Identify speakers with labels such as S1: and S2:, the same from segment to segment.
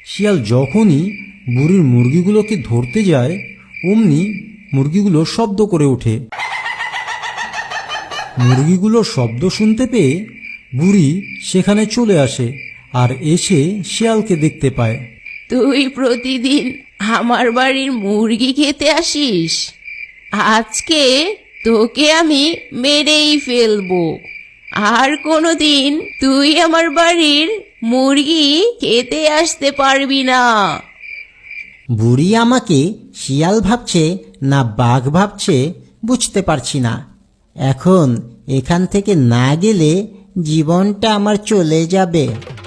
S1: শিয়াল যখনই বুড়ির মুরগিগুলোকে ধরতে যায় অমনি মুরগিগুলো শব্দ করে ওঠে। মুরগিগুলোর শব্দ শুনতে পেয়ে বুড়ি সেখানে চলে আসে আর এসে শিয়ালকে দেখতে পায়।
S2: তুই প্রতিদিন আমার বাড়ির মুরগি খেতে আসিস, আজকে তোকে আমি মেরেই ফেলবো। আর কোনোদিন তুই আমার বাড়ির মুরগি খেতে আসতে পারবি না।
S3: বুড়ি আমাকে শিয়াল ভাবছে না বাঘ ভাবছে বুঝতে পারছি না। এখন এখান থেকে না গেলে জীবনটা আমার চলে যাবে।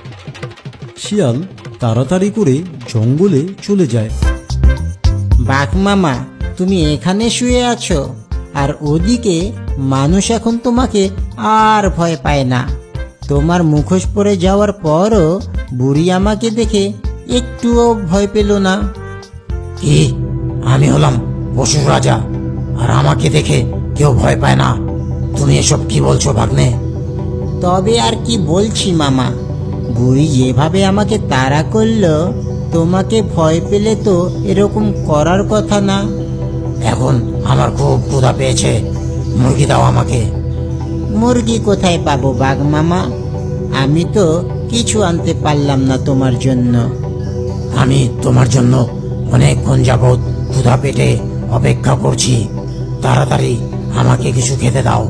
S1: শিয়াল তাড়াতাড়ি করে জঙ্গলে চলে যায়।
S3: বাঘ মামা, তুমি এখানে শুয়ে আছো আর ওদিকে মানুষ এখন তোমাকে আর ভয় পায় না। তোমার মুখোশ পরে যাওয়ার পরও বুড়ি আমাকে দেখে একটুও ভয় পেল না।
S4: কি? আমি হলাম পশুর রাজা আর আমাকে দেখে কেউ ভয় পায় না? তুমি এসব কি বলছো ভাগ্নে?
S3: তবে আর কি বলছি মামা, বুড়ি যেভাবে আমাকে তাড়া করলো, তোমাকে ভয় পেলে তো এরকম করার কথা না।
S4: এখন আমার খুব ক্ষুধা পেয়েছে, মুরগি দাও আমাকে।
S3: মুরগি কোথায় পাবো বাঘ মামা? আমি তো কিছু আনতে পারলাম না তোমার জন্য।
S4: আমি তোমার জন্য অনেকক্ষণ যাবৎ ক্ষুধা পেটে অপেক্ষা করছি, তাড়াতাড়ি আমাকে কিছু খেতে দাও।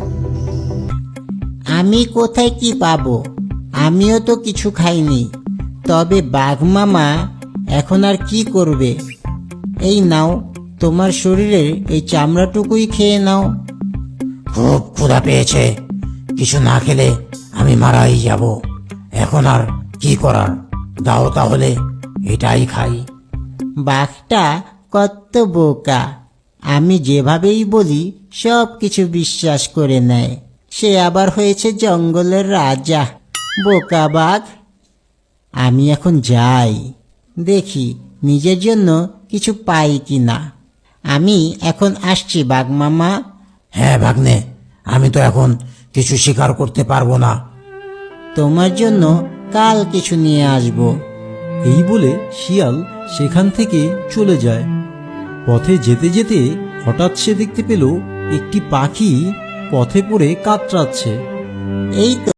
S3: আমি কোথায় কি পাবো? আমিও তো কিছু খাইনি। তবে বাঘ মামা এখন আর কি করবে? এই নাও, তোমার শরীরের এই চামড়াটুকুই খেয়ে নাও।
S4: খুব ক্ষুধা পেয়েছে, কিছু না খেলে আমি মারাই যাব। এখন আর কি করার, দাও তাহলে এটাই খাই।
S3: বাঘটা কত বোকা, আমি যেভাবেই বলি সব কিছু বিশ্বাস করে নেয়। সে আবার হয়েছে জঙ্গলের রাজা। বোকা বাঘ। আমি এখন যাই, দেখি নিজের জন্য কিছু পাই কিনা। আমি এখন আসছি বাঘ মামা।
S4: হ্যাঁ ভাগ্নে, আমি তো এখন কিছু শিকার করতে পারবো না।
S3: তোমার জন্য কাল কিছু নিয়ে আসবো।
S1: এই বলে শিয়াল সেখান থেকে চলে যায়। পথে যেতে যেতে হঠাৎ সে দেখতে পেল একটি পাখি পথে পড়ে কাতরাচ্ছে।
S3: এই তো